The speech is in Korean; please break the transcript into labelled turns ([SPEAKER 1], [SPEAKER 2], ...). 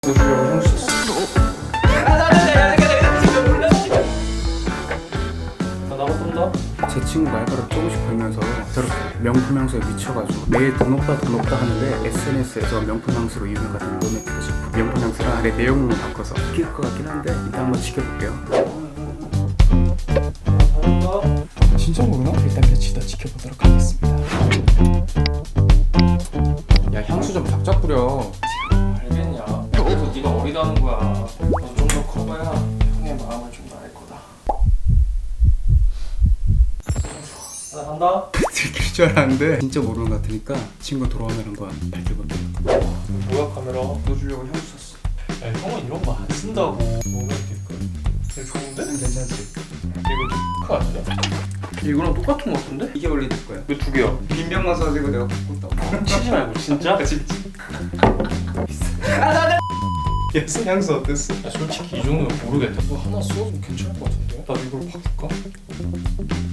[SPEAKER 1] 보여주려고 향수 샀어. 나 나갔던다.
[SPEAKER 2] 제 친구가 알바를 조금씩 벌면서 저렇게 명품 향수에 미쳐가지고 매일 돈 없다 하는데 SNS에서 명품 향수로 유명 같은 로맨틱 식품 명품 향수랑 안에 내용만 바꿔서 끼울 것 같긴 한데 일단 한번 지켜볼게요.
[SPEAKER 1] 진짜 모르나?
[SPEAKER 2] 일단 며칠 더 지켜보도록 하겠습니다.
[SPEAKER 1] 야 향수 좀 작작 뿌려. 알겠냐? 그래서 네가 어리다는 거야. 넌 좀 더 커봐야 형의 마음을 좀 더 알 거다. 나 간다.
[SPEAKER 2] 들킬 줄 알았는데 진짜 모르는 것 같으니까 친구 돌아오면 한번 밝혀볼게요.
[SPEAKER 1] 뭐야 카메라? 보여주려고 향수 샀어. 야 형은 이런 거 안 쓴다고. 로맨틱 거. 이거 좋은데?
[SPEAKER 2] 괜찮지?
[SPEAKER 1] 이거 크 아니야? 이거랑 똑같은 거 같은데?
[SPEAKER 2] 이게 원래 내 거야.
[SPEAKER 1] 이거 두 개야.
[SPEAKER 2] 빈병 가서 가지고 내가 바꿨다고.
[SPEAKER 1] 치지 말고 진짜?
[SPEAKER 2] 진짜.
[SPEAKER 1] 얘 향수 어땠어? 야 솔직히 이 정도면 모르겠다. 너 하나 써도 괜찮을 것 같은데? 나도 이걸 바꿀까?